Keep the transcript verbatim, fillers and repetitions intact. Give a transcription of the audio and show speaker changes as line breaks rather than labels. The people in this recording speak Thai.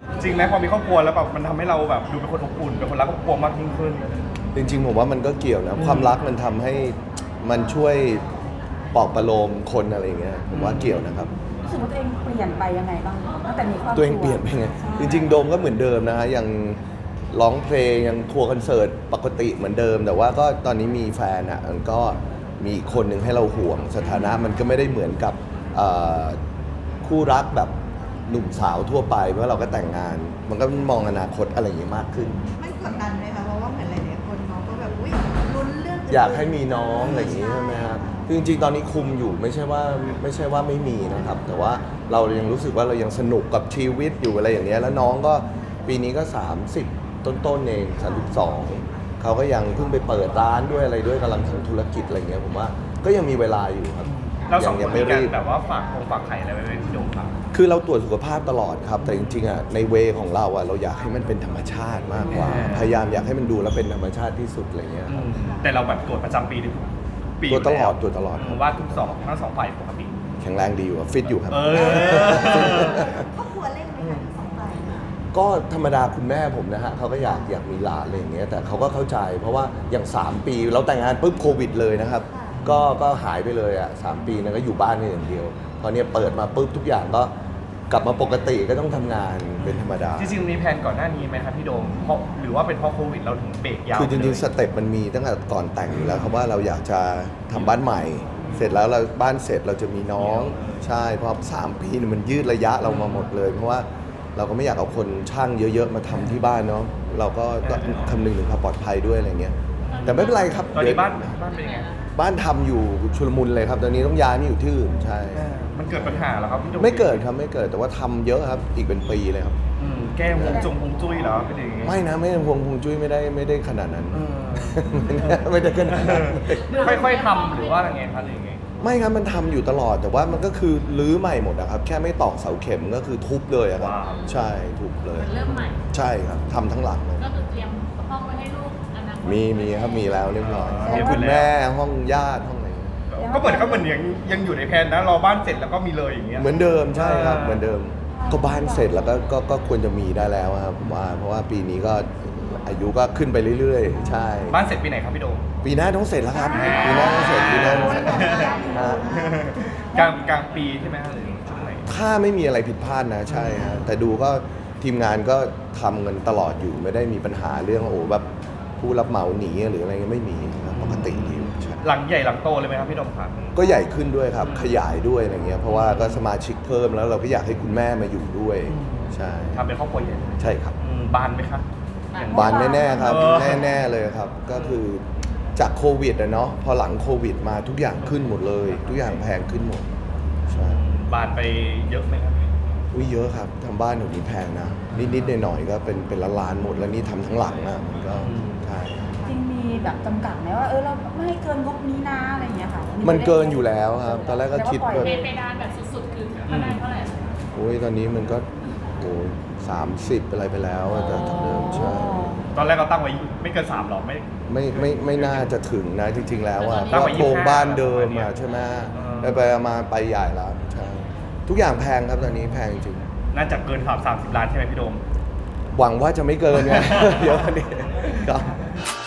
จริงไหมพอมีครอบครัวแล้วแบบมันทำให้เราแบบดูเป็นคนอบอุ่นเป็นคนรักครอบครัวมากยิ่งขึ้น
จริงๆผมว่ามันก็เกี่ยวนะความรักมันทำให้มันช่วยปลอบประโลมคนอะไรอย่างเงี้ยผมว่าเกี่ยวนะครับ
รู้สึกว่าตัวเองเปลี่ยนไปยังไงบ้างตั้งแต่มีครอบครัว
ตัวเองเปลี่ยนไปไงจริงๆโดมก็เหมือนเดิมนะฮะยังร้องเพลงยังทัวร์คอนเสิร์ตปกติเหมือนเดิม แต่ว่าก็ตอนนี้มีแฟนอ่ะมันก็มีอีกคนหนึ่งให้เราห่วงสถานะมันก็ไม่ได้เหมือนกับคู่รักแบบหนุ่มสาวทั่วไปเพราะเราก็แต่งงานมันก็มองอนาคตอะไรอย่างเงี้ยมากขึ้น
ไม่กดดันไหมคะเพราะว่าเหมือนหลายๆคนน้องก็แบบอุ้ยลุ้นเรื่อง
อยากให้มีน้องอะไรอย่างงี้ใช่ไหมครับคือจริงๆตอนนี้คุมอยู่ไม่ใช่ว่าไม่ใช่ว่าไม่มีนะครับแต่ว่าเรายังรู้สึกว่าเรายังสนุกกับชีวิตอยู่อะไรอย่างเงี้ยแล้วน้องก็ปีนี้ก็สามสิบต้นๆเองสามสิบสองเขาก็ยังเพิ่งไปเปิดร้านด้วยอะไรด้วยกำลังทำธุรกิจอะไรเงี้ยผมว่าก็ยังมีเวลาอยู่ครับ
เราสองคนมีการแบบว่าฝากคงฝากไข่อะไรไว้ที่โดมครับ
คือเราตรวจสุขภาพตลอดครับแต่จริงๆอ่ะในเวของเราอ่ะเราอยากให้มันเป็นธรรมชาติมากกว่าพยายามอยากให้มันดูแล้วเป็นธรรมชาติที่สุดอะไรเงี้ยครับ
แต่เราแบบตรวจประจำปีปี
ตรวจตลอดตรวจตลอด
ว่าทุกสองทั้งสองฝ่ายปกติ
แข็งแรงดีอยู่ฟิตอยู่ครับ
ครอบครัวเล่นไหมคะสองฝ่าย
ก็ธรรมดาคุณแม่ผมนะฮะเขาก็อยากอยากมีหลานอะไรอย่างเงี้ยแต่เขาก็เข้าใจเพราะว่าอย่างสามปีเราแต่งงานปุ๊บโควิดเลยนะครับก็ก็หายไปเลยอ่ะสามปีนั้นก็อยู่บ้านนี่อย่างเดียวตอนนี้เปิดมาปุ๊บทุกอย่างก็กลับมาปกติก็ต้องทำงานเป็นธรรมดา
จริงๆมีแผนก่อนหน้านี้ไหมครับพี่โดมเพราะหรือว่าเป็นเพราะโควิดเราถึงเบรกยาว
คือจริงๆสเต็ปมันมีตั้งแต่ก่อนแต่งอยู่แล้วครับว่าเราอยากจะทำบ้านใหม่ เสร็จแล้วเราบ้านเสร็จเราจะมีน้องใช่เพราะสามปีเนี่ยมันยืดระยะเรามาหมดเลยเพราะว่าเราก็ไม่อยากเอาคนช่างเยอะๆมาทำที่บ้านเนาะเราก็คำนึงถึงความปลอดภัยด้วยอะไรเงี้ยแต่ไม่เป็นไรครับ
ตอนนี้บ้านบ้านเป็นยังไง
บ้านทำอยู่ชุลมุนเลยครับตอนนี้ต้องย้ายมาอยู่ที่อื่นใช่
มันเกิดปัญหาแล้วครับพี่โดม
ไม่เกิดครับไม่เกิดแต่ว่าทำเยอะครับอีกเป็นปีเลยครับ
แก้หงจงหงจุ้ยเหรอเป็นอย่างงี้
ไม่นะไม่หงหงจุ้ยไม่ได้ไม่ได้ขนาดนั้นไม่ได้ขนาดนั้น
ค่อยๆทำหรือว่าอะไรเงี้ยครับหรือยังไง
ไม่ครับมันทำอยู่ตลอดแต่ว่ามันก็คือรื้อใหม่หมดนะครับแค่ไม่ตอกเสาเข็มก็คือทุบเลยครับใช่ทุบเลย
เริ่มใหม่
ใช่ครับทำทั้งหลังเลย
ก็คือเตรียมห้องไว้ให้ลูกอนาคต
มีมีครับมีแล้วเรียบร้อยห้องคุณแม่ห้องญาติห้องอะไร
ก็เหมือนก็เหมือนยังยังอยู่ในแผนนะรอบ้านเสร็จแล้วก็มีเลยอย่างเงี้ย
เหมือนเดิมใช่ครับเหมือนเดิมก็บ้านเสร็จแล้วก็ก็ก็ควรจะมีได้แล้วครับผมว่าเพราะว่าปีนี้ก็อายุก็ขึ้นไปเรื่อยๆใช่
บ้านเสร็จปีไหนครับพี่โดม
ปีหน้าต้องเสร็จแล้วครับปีหน้าต้องเสร็จปีหน้าต้องเสร็จ
กลางกลางปีใช่ไหมหรือช่วงไหน
ถ้าไม่มีอะไรผิดพลาดนะใช่ฮะแต่ดูก็ทีมงานก็ทำกันตลอดอยู่ไม่ได้มีปัญหาเรื่องโอ้แบบผู้รับเหมาหนีหรืออะไรเงี้ยไม่มีนะปกติดี
หลังใหญ่หลังโตเลยไหมครับพี่โดมครับ
ก็ใหญ่ขึ้นด้วยครับขยายด้วยอะไรเงี้ยเพราะว่าก็สมาชิกเพิ่มแล้วเราก็อยากให้คุณแม่มาอยู่ด้วยใช่
ทำเป็นครอบครัวใหญ่
ใช่ครับ
บานไหมครับ
บานแน่ๆครับแน่ๆเลยครับก็คือจากโควิดอะเนาะพอหลังโควิดมาทุกอย่างขึ้นหมดเลยทุกอย่างแพงขึ้นหมดใช่
บานไปเยอะไหมครับ
อุ้ยเยอะครับทำบ้านหนูนี้แพงนะนิดๆหน่อยๆก็เป็นเป็นล้านๆหมดแล้วนี่ทำทั้งหลังอะมันก็ใช่
จริงมีแบบจำกัดไหมว่าเออเราไม่ให้เกินงบนี้นะอะไรอย่างเงี้ยค่ะ
มันเกินอยู่แล้วครับตอนแรกก็คิด
แบบเพดานแบบสุดๆคือเท่าไหร่เท่าไหร่
โอ้ยตอนนี้มันก็โอ้สามสิบอะไรไปแล้วแต่จากเดิมใช่
ตอนแรกเราตั้งไว้ไม่เกินสามหรอกไม่
ไม่ไม่ไม่น่าจะถึงนะจริงๆแล้วอะเพราะโครงบ้านเดิมอะใช่ไหมไปไปมาไปใหญ่แล้วใช่ทุกอย่างแพงครับตอนนี้แพงจริง
น่าจะเกินสามสามสิบล้านใช่ไหมพี่โดม
หวังว่าจะไม่เกินไงเดี๋ยวนี้ครับ